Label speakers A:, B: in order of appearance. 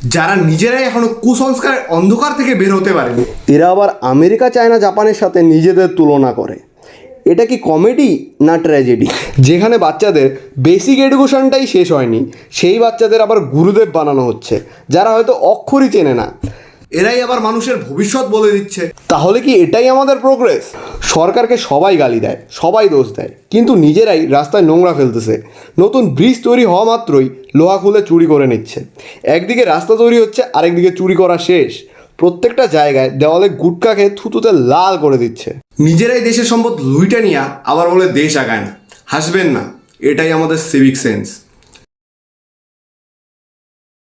A: যারা নিজেরাই এখনো কুসংস্কারের অন্ধকার থেকে বের হতে পারেনি, এরা আবার আমেরিকা, চায়না, জাপানের সাথে নিজেদের তুলনা করে। এটা কি কমেডি না ট্র্যাজেডি? যেখানে বাচ্চাদের বেসিক এডুকেশনটাই শেষ হয়নি, সেই বাচ্চাদের আবার গুরুদেব বানানো হচ্ছে, যারা হয়তো অক্ষরই চেনে না। এরাই আবার মানুষের ভবিষ্যৎ বলে দিচ্ছে। তাহলে কি এটাই আমাদের প্রোগ্রেস? সরকারকে সবাই গালি দেয়, সবাই দোষ দেয়, কিন্তু নিজেরাই রাস্তায় নোংরা ফেলতেছে। নতুন ব্রিজ তৈরি হওয়া মাত্রই লোহা খুলে চুরি করে নিচ্ছে। একদিকে রাস্তা তৈরি হচ্ছে, আরেকদিকে চুরি করা শেষ। প্রত্যেকটা জায়গায় দেওয়ালে গুটকা খেয়ে থুতুতে লাল করে দিচ্ছে। নিজেরাই দেশের সম্পদ লুইটা নিয়ে আবার বলে দেশ আগায় না। হাসবেন না, এটাই আমাদের সিভিক সেন্স।